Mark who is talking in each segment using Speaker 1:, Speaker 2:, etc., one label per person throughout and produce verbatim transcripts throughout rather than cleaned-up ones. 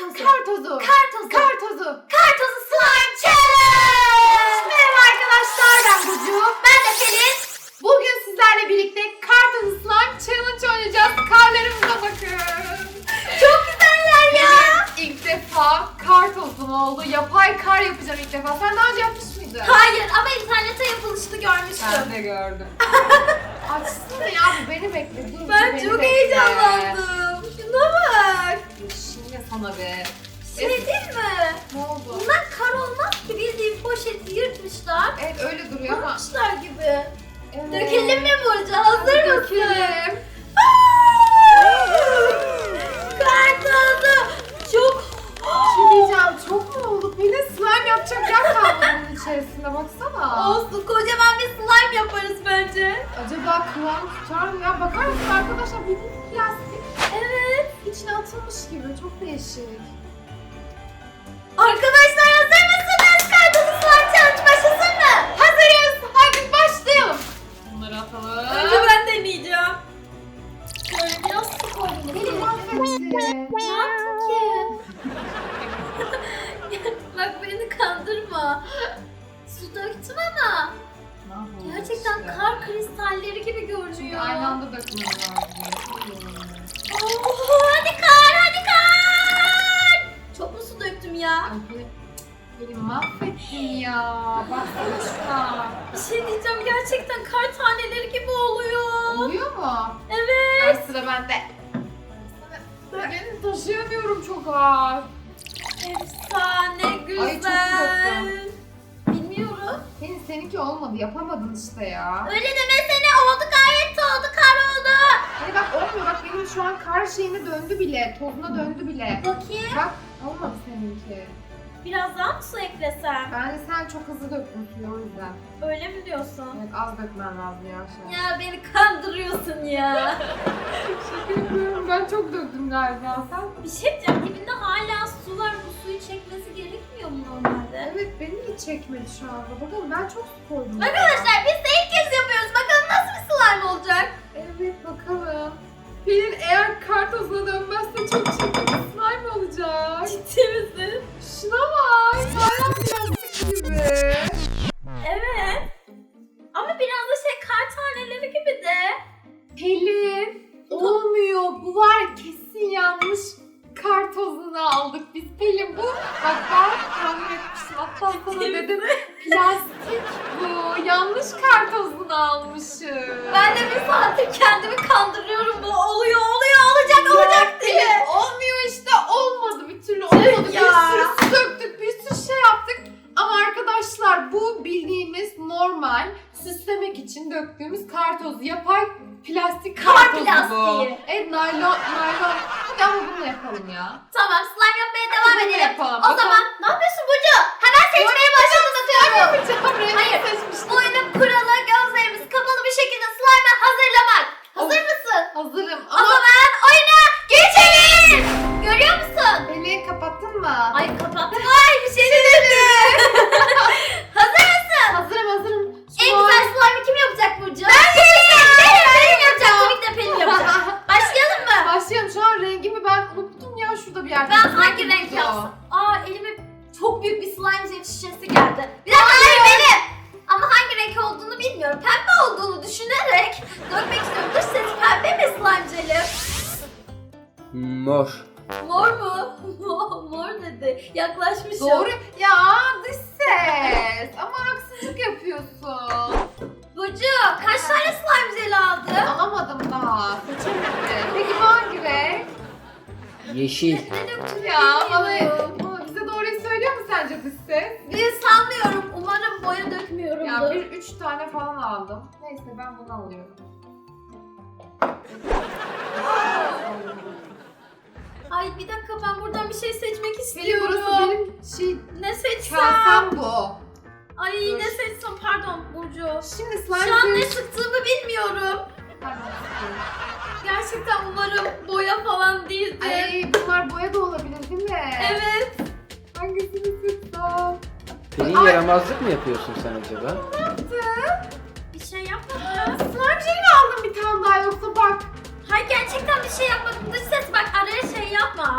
Speaker 1: tozu.
Speaker 2: Kar tozu.
Speaker 1: Kar tozu.
Speaker 2: Kar tozu.
Speaker 1: Kar tozu slime challenge.
Speaker 2: Merhaba arkadaşlar, ben Burcu.
Speaker 1: Ben de Pelin.
Speaker 2: Bugün sizlerle birlikte kar tozu slime challenge oynayacağız. Karlarımıza bakın.
Speaker 1: Çok güzeller ya.
Speaker 2: Benim ilk defa kar tozum oldu. Yapay kar yapacağım ilk defa. Sen daha önce yapmış mıydın?
Speaker 1: Hayır ama internette yapılışını görmüştüm.
Speaker 2: Ben de gördüm. Açsana ya, bu beni bekle. Dur,
Speaker 1: Ben
Speaker 2: beni
Speaker 1: çok
Speaker 2: bekle.
Speaker 1: heyecanlandım. Şuna bak.
Speaker 2: Şimdi sana be.
Speaker 1: Şey değil mi?
Speaker 2: Ne oldu?
Speaker 1: Bunlar kar olmaz ki, bildiğin poşeti yırtmışlar.
Speaker 2: Evet, öyle duruyor ama.
Speaker 1: Yırtmışlar gibi.
Speaker 2: Evet.
Speaker 1: Dökelim mi Burcu? Hazır mısın?
Speaker 2: Dökelim.
Speaker 1: Kar tozu. Çok.
Speaker 2: Bir şey diyeceğim, çok mu oldu? Pelin, slime yapacak yer kalmadı bunun içerisinde, baksana.
Speaker 1: Olsun, kocaman bir slime yaparız bence.
Speaker 2: Acaba kıvam tutar mı ya? Bakar mısın arkadaşlar, bildiğin plastik.
Speaker 1: Evet.
Speaker 2: İçine atılmış gibi, çok değişik.
Speaker 1: Arkadaşlar hazır mısınız? Kar tozu slime challenge başlasın mı?
Speaker 2: Hazırız, hadi başlayalım. Bunları atalım.
Speaker 1: Önce ben deneyeceğim. Şöyle biraz su koydum.
Speaker 2: Pelin mahvetti.
Speaker 1: Ne yaptın ki? Bak beni kandırma. Su döktüm ama gerçekten kar kristalleri gibi
Speaker 2: Çünkü
Speaker 1: görünüyor.
Speaker 2: aynı anda dökmem lazım.
Speaker 1: Oo, hadi kar, hadi kar. Çok mu su döktüm ya?
Speaker 2: Ay Pelin, Pelin mahvettin ya. Baksana şuna.
Speaker 1: Bir şey diyeceğim, gerçekten kar taneleri gibi oluyor.
Speaker 2: Oluyor mu?
Speaker 1: Evet.
Speaker 2: Ver, sıra bende. Ben taşıyamıyorum, çok ağır.
Speaker 1: Efsane güzel.
Speaker 2: Ay, çok döktüm.
Speaker 1: Bilmiyorum.
Speaker 2: Pelin, seninki olmadı, yapamadın işte ya.
Speaker 1: Öyle demesene, oldu gayet de oldu, kar oldu.
Speaker 2: Hani bak olmuyor, bak benim şu an kar şeyine döndü bile, tozuna döndü bile.
Speaker 1: Bakayım.
Speaker 2: Bak olmadı seninki.
Speaker 1: Biraz daha mı su eklesem?
Speaker 2: Bence sen çok hızlı döktün suyu, o yüzden.
Speaker 1: Öyle mi diyorsun?
Speaker 2: Evet, az dökmen lazım ya şu an.
Speaker 1: Ya beni kandırıyorsun ya.
Speaker 2: Şaka yapıyorum, ben çok döktüm galiba, sen.
Speaker 1: Bir şey diyeceğim, dibinde hala su var, bu suyu çekmesi gerekmiyor mu normalde?
Speaker 2: Evet, beni hiç çekmedi şu anda. Bakalım, ben çok su koydum. ya.
Speaker 1: Arkadaşlar biz de ilk kez yapıyoruz, bakalım nasıl bir slime olacak?
Speaker 2: Evet, bakalım. Pelin eğer kar tozuna dönmezse çok çirkin bir slime olacak.
Speaker 1: Ciddi misin?
Speaker 2: Şuna bak, bayram plastik gibi.
Speaker 1: Evet. Ama biraz da şey, kar taneleri gibi de.
Speaker 2: Pelin, olmuyor. Bu var, kesin yanlış kar tozunu aldık biz. Pelin, bu bak ben tahmin etmiştim. Hatta sana dedim, plastik bu. Yanlış kar tozunu almışım.
Speaker 1: Ben de bir saattir kendimi kandırıyorum, bu oluyor oluyor olacak olacak diye.
Speaker 2: Pelin, olmuyor işte, olmadı, bir türlü olmadı. Bir
Speaker 1: ya.
Speaker 2: sürü su döktük, bir sürü şey yaptık. Ama arkadaşlar, bu bildiğimiz normal süslemek için döktüğümüz kar tozu. Yapay plastik kar,
Speaker 1: Kar
Speaker 2: tozu bu.
Speaker 1: plastiği.
Speaker 2: Evet, naylon, naylon. Hadi ama bunu yapalım ya.
Speaker 1: Tamam, slime yapmaya devam
Speaker 2: Bunu
Speaker 1: edelim.
Speaker 2: yapalım.
Speaker 1: O zaman ne yapıyorsun Burcu? Hemen seçmeye başladın atıyorum.
Speaker 2: Yapacağım, rengi
Speaker 1: Hayır.
Speaker 2: seçmiştim.
Speaker 1: Bu oyunun kuralı gözlerimiz kapalı bir şekilde slime'ı hazırlamak. Hazır
Speaker 2: Of.
Speaker 1: mısın?
Speaker 2: Hazırım
Speaker 1: O
Speaker 2: ama
Speaker 1: zaman oyuna geçelim. Görüyor musun?
Speaker 2: Pelin, kapattın mı?
Speaker 1: Ay kapattım. Ay bir şey dedi. Hazır mısın?
Speaker 2: Hazırım, hazırım. Şu
Speaker 1: En
Speaker 2: an-
Speaker 1: güzel slime'ı kim yapacak Burcu? Ben yapacağım. Pelin, Pelin yapacak. Tabii ki de Pelin yapacak. Başlayalım mı?
Speaker 2: Başlayalım. Şu an rengimi ben unuttum ya, şurada bir yerde.
Speaker 1: Ben hangi renk
Speaker 2: Unuttum.
Speaker 1: yapsam? Aa, elime çok büyük bir slime jet şişesi geldi. Bir dakika, hayır benim. Ama hangi renk olduğunu bilmiyorum. Pembe olduğunu düşünerek dökmek istiyorum. Dış ses pembe mi slime jeli?
Speaker 3: Mor.
Speaker 1: Mor mu? Mor dedi. Yaklaşmışım.
Speaker 2: Doğru. Ya dış ses. Ama haksızlık yapıyorsun.
Speaker 1: Burcu, kaç tane slime jeli aldın?
Speaker 2: Alamadım daha. Seçemedim. Peki bu hangi renk?
Speaker 3: Yeşil.
Speaker 1: Ne döktün
Speaker 2: Ya bana,
Speaker 1: bilmiyorum.
Speaker 2: bana bize doğruyu söylüyor mu sence dış ses?
Speaker 1: Bir sanmıyorum. Umarım boya dökmüyorum.
Speaker 2: Ya bir üç tane falan aldım. Neyse, ben bunu alıyorum.
Speaker 1: Ay bir dakika, ben buradan bir şey seçmek
Speaker 2: Benim
Speaker 1: istiyorum.
Speaker 2: burası benim şey
Speaker 1: Ne seçsem?
Speaker 2: kasem bu.
Speaker 1: Ay
Speaker 2: Dur.
Speaker 1: ne seçsem, pardon Burcu.
Speaker 2: Şimdi slime
Speaker 1: Şu an ne
Speaker 2: suyu-
Speaker 1: sıktığımı bilmiyorum.
Speaker 2: Pardon.
Speaker 1: Gerçekten umarım boya falan değildir.
Speaker 2: Ay, bunlar boya da olabilir değil mi?
Speaker 1: Evet.
Speaker 2: Hangisini sıksam?
Speaker 3: Pelin,
Speaker 2: Ay.
Speaker 3: yaramazlık mı yapıyorsun sen acaba?
Speaker 1: Bir şey yapmadım.
Speaker 2: Slime jeli mi aldın bir tane daha, yoksa bak.
Speaker 1: Hayır, gerçekten bir şey yapmadım. Dış ses bak, araya şey yapma.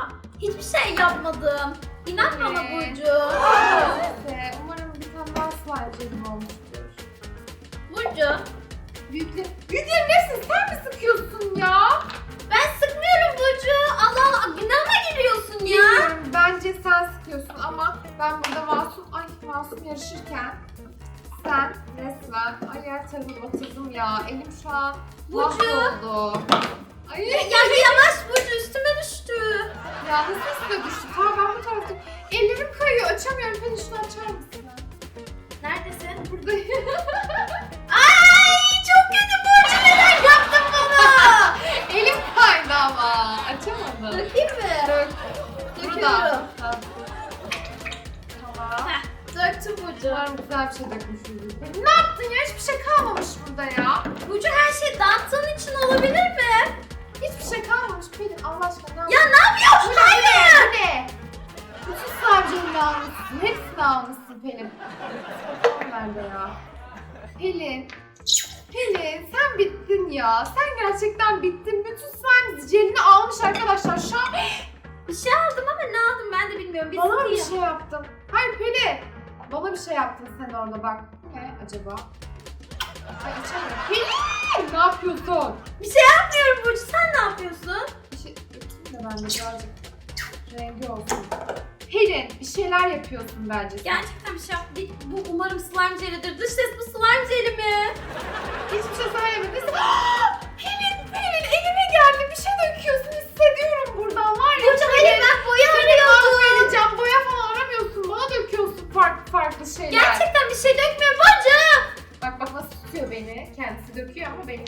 Speaker 1: Hiçbir şey yapmadım. İnan bana
Speaker 2: Ee,
Speaker 1: Burcu.
Speaker 2: Neyse, umarım bir tane daha slime jelim olmuştur.
Speaker 1: Burcu.
Speaker 2: Büyükler, büyüklerin hepsini sen mi sıkıyorsun ya?
Speaker 1: Ben sıkmıyorum Burcu. Allah Allah günahıma giriyorsun ya.
Speaker 2: Bilmiyorum, bence sen sıkıyorsun ama ben burada masum, ay masum yarışırken sen resmen, ay her tarafı batırdım ya. Elim şu an
Speaker 1: Burcu.
Speaker 2: mahvoldu. Ay
Speaker 1: Ya, ya yavaş Burcu üstüme düştü.
Speaker 2: ya nasıl üstüne düştü? Tamam ben bu tarafta. Ellerim kayıyor, açamıyorum. Beni şunu açar mısın?
Speaker 1: Neredesin?
Speaker 2: Buradayım.
Speaker 1: Ay çok kötü Burcu neden yaptın bana?
Speaker 2: Elim kaydı ama. Açamadım.
Speaker 1: Dökeyim mi?
Speaker 2: Dök.
Speaker 1: Döküyorum.
Speaker 2: Burada. Tamam. Tamam.
Speaker 1: Heh, döktüm Burcu.
Speaker 2: Umarım güzel bir şey dökmüşüzdür. Ne yaptın ya? Hiçbir şey kalmamış burada ya.
Speaker 1: Burcu her şey dağıttığın için olabilir mi?
Speaker 2: Hiçbir şey kalmamış Pelin. Allah aşkına ne
Speaker 1: Ya ne yapıyorsun? Hayır.
Speaker 2: Bu ne? Bütün sarcılarını almışsın. Hepsini almışsın Pelin. Bakalım nerede ya? Pelin. Pelin sen bittin ya. Sen gerçekten bittin. Bütün slime jelini almış arkadaşlar. Şu an
Speaker 1: Bir şey aldım ama ne aldım ben de bilmiyorum. Bir
Speaker 2: bana mı bir
Speaker 1: sıkayım.
Speaker 2: şey yaptın? Hayır Pelin. Bana bir şey yaptın sen orada bak. Ne acaba? Ay içemiyorum. Pelin! Ne yapıyorsun?
Speaker 1: Bir şey yapmıyorum Burcu. Sen ne yapıyorsun?
Speaker 2: Bir şey dökeyim de ben de birazcık rengi olsun. Pelin bir şeyler yapıyorsun bence sen.
Speaker 1: Gerçekten bir şey yap. Bir- Bu umarım slime jelidir. Dış ses bu slime jeli mi?
Speaker 2: Hiçbir şey söylemedin. Pelin, Pelin elime geldi. Bir şey döküyorsun hissediyorum buradan var ya.
Speaker 1: Burcu hayır ben boya arıyordum.
Speaker 2: Vereceğim. Boya falan aramıyorsun. Bana döküyorsun farklı farklı şeyler.
Speaker 1: Gerçekten bir şey dökmüyorum Burcu.
Speaker 2: Bak bak nasıl tutuyor beni. Kendisi döküyor ama beni.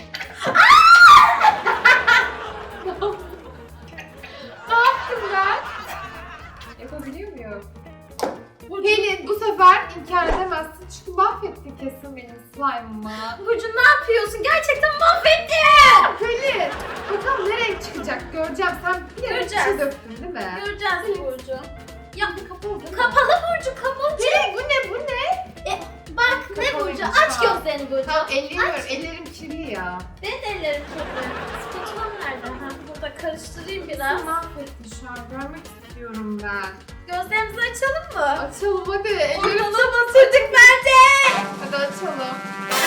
Speaker 2: Ne yaptım ben? Yapabiliyor muyum? Pelin bu sefer inkar edemezsin çünkü mahvettin kesin benim slime'ımı.
Speaker 1: Burcu ne yapıyorsun? Gerçekten mahvettin.
Speaker 2: Pelin bakalım ne renk çıkacak göreceğim. Sen bir yere bir şey
Speaker 1: Göreceğiz.
Speaker 2: döktün değil mi?
Speaker 1: Göreceğiz Burcu. Ya
Speaker 2: Kapalı değil mi?
Speaker 1: kapalı Burcu kapalı.
Speaker 2: Pelin bu ne bu ne?
Speaker 1: Bak ne
Speaker 2: Kapalıymış
Speaker 1: Burcu? Aç
Speaker 2: şu an.
Speaker 1: gözlerini Burcu.
Speaker 2: Tamam ellerim
Speaker 1: Aç.
Speaker 2: var. Ellerim kirli ya.
Speaker 1: Benim de ellerim kirli. Spatulam nerede? Ha, burada karıştırayım biraz.
Speaker 2: Sen mahvettin şu an. Görmek istiyorum ben.
Speaker 1: Gözlerimizi açalım mı?
Speaker 2: Açalım hadi. Ellerim
Speaker 1: Ortalığı batırdık bence.
Speaker 2: Hadi açalım.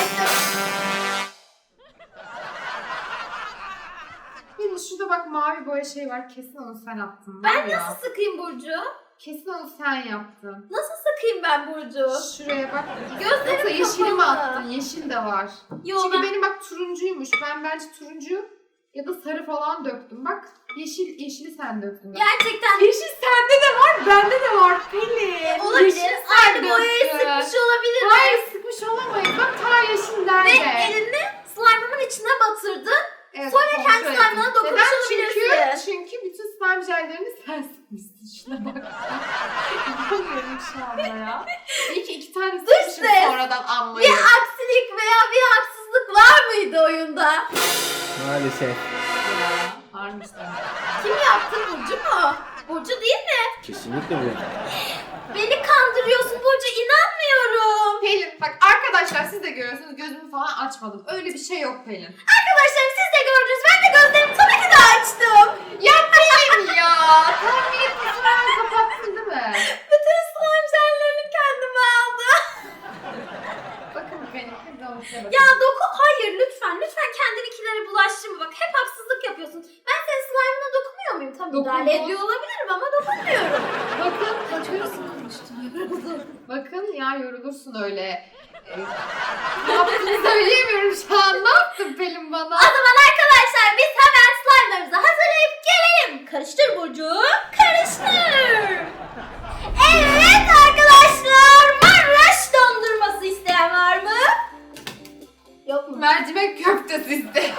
Speaker 2: Pelin şurada bak mavi boya şey var. Kesin onu sen attın. var
Speaker 1: Ben
Speaker 2: ya.
Speaker 1: nasıl sıkayım Burcu?
Speaker 2: Kesin onu sen yaptın.
Speaker 1: Nasıl sıkayım ben Burcu?
Speaker 2: Şuraya bak.
Speaker 1: Gözlerim
Speaker 2: Yoksa yeşili mi
Speaker 1: kapalı.
Speaker 2: attın? Yeşil de var.
Speaker 1: Yo
Speaker 2: Çünkü
Speaker 1: ben...
Speaker 2: benim bak turuncuymuş. Ben bence turuncu ya da sarı falan döktüm. Bak yeşil yeşili sen döktün. Bak.
Speaker 1: Gerçekten
Speaker 2: Yeşil sende de var, bende de var Pelin.
Speaker 1: olabilir.
Speaker 2: Yeşil sen
Speaker 1: Aynı boyayı
Speaker 2: döktün.
Speaker 1: sıkmış olabilir.
Speaker 2: Hayır sıkmış olamayız. Bak ta yeşil
Speaker 1: Ve
Speaker 2: nerede?
Speaker 1: elini slime'ımın içine batırdın.
Speaker 2: Evet,
Speaker 1: Sonra
Speaker 2: kontrol
Speaker 1: kendi
Speaker 2: ettim.
Speaker 1: slime'ına dokunmuş
Speaker 2: Neden?
Speaker 1: olabilirsin.
Speaker 2: Çünkü, çünkü bütün slime jellerini sen sıkmışsın. Şuna bak. İnanmıyorum şu anda ya. İyi ki iki tane sıkmışım
Speaker 1: ses.
Speaker 2: sonradan anlayıp.
Speaker 1: Bir aksilik veya bir haksızlık var mıydı oyunda?
Speaker 3: Maalesef.
Speaker 2: Ya, harbiden.
Speaker 1: Kim yaptı? Burcu mu? Burcu değil mi?
Speaker 3: Kesinlikle bu.
Speaker 1: Beni kandırıyorsun Burcu, inanmıyorum.
Speaker 2: Pelin bak arkadaşlar siz de görüyorsunuz gözümü falan açmadım. Öyle bir şey yok Pelin.
Speaker 1: Arkadaşlarım siz de gördünüz. Ben de gözlerimi tabii ki de açtım.
Speaker 2: Ya Pelin ya. Tahmin etmişsin hemen kapattın değil mi?
Speaker 1: Bütün slime jellerini kendime aldım.
Speaker 2: Bakın Pelin hadi onu size bakın.
Speaker 1: Ya doku... Hayır lütfen. Lütfen kendininkilere bulaştırma. Bak hep haksızlık yapıyorsun. Ben senin slime'ına dokunmuyor muyum? Tabii
Speaker 2: Dokundun.
Speaker 1: müdahale ediyor olabilirim ama dokunmuyorum.
Speaker 2: Bakın
Speaker 1: Bakıyorsun konuştum.
Speaker 2: Bakın ya yorulursun öyle. Ee, ne yaptığını söyleyemiyorum şu an. Ne yaptın Pelin bana?
Speaker 1: O zaman arkadaşlar biz hemen slime'larımızı hazırlayıp gelelim. Karıştır Burcu. Karıştır. Evet arkadaşlar. Maraş dondurması isteyen var mı? Yok mu?
Speaker 2: Mercimek köftesi iste.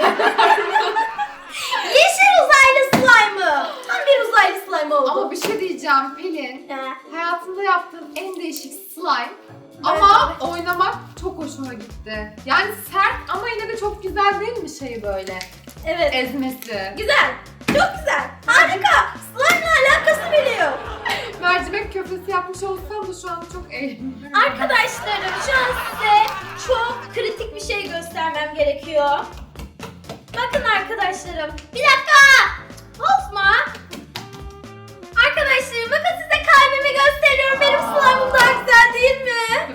Speaker 1: Yeşil uzaylı slime'ı. Tam bir uzaylı slime oldu.
Speaker 2: Ama bir şey diyeceğim Pelin.
Speaker 1: He.
Speaker 2: Hayatımda yaptığım en değişik slime. Ama oynamak çok hoşuma gitti. Yani sert ama yine de çok güzel değil mi şey böyle?
Speaker 1: Evet.
Speaker 2: Ezmesi.
Speaker 1: Güzel. Çok güzel. Harika. Slime'la alakası bile yok.
Speaker 2: Mercimek köftesi yapmış olsam da şu an çok eğleniyorum.
Speaker 1: Arkadaşlarım şu an size çok kritik bir şey göstermem gerekiyor. Bakın arkadaşlarım. Bir dakika. Bozma.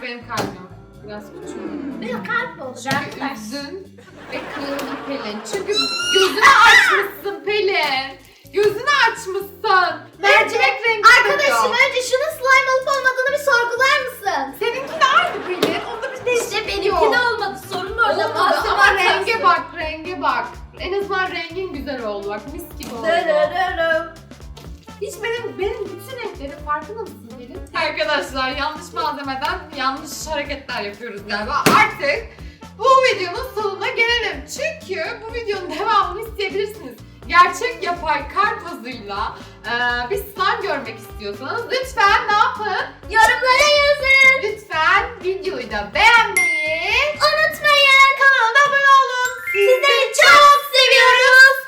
Speaker 2: benim kalbim. Biraz küçük.
Speaker 1: Benim kalp oldu.
Speaker 2: Çünkü
Speaker 1: Ben
Speaker 2: üzdün ve kırıldı Pelin. Çünkü gözünü açmışsın Pelin. Gözünü açmışsın. Mercimek rengi
Speaker 1: Arkadaşım
Speaker 2: oluyor.
Speaker 1: önce şunun slime olup olmadığını bir sorgular mısın?
Speaker 2: Seninki de aynı Pelin. Onda bir değişiklik
Speaker 1: İşte
Speaker 2: yok.
Speaker 1: benimki de olmadı. Sorun orada.
Speaker 2: Olmadı
Speaker 1: Malzeme
Speaker 2: ama
Speaker 1: hatası.
Speaker 2: renge bak, renge bak. En azından rengin güzel oldu bak, mis gibi oldu.
Speaker 1: Dırırırım.
Speaker 2: Hiç benim, benim bütün renklerim farkında mısın Pelin? Arkadaşlar yanlış malzemeden yanlış hareketler yapıyoruz galiba. Artık bu videonun sonuna gelelim. Çünkü bu videonun devamını isteyebilirsiniz. Gerçek yapay kar tozuyla e, bir slime görmek istiyorsanız lütfen ne yapın?
Speaker 1: Yorumlara yazın.
Speaker 2: Lütfen videoyu da beğenmeyi,
Speaker 1: Unutmayın.
Speaker 2: kanala da abone olun.
Speaker 1: Sizleri çok seviyoruz.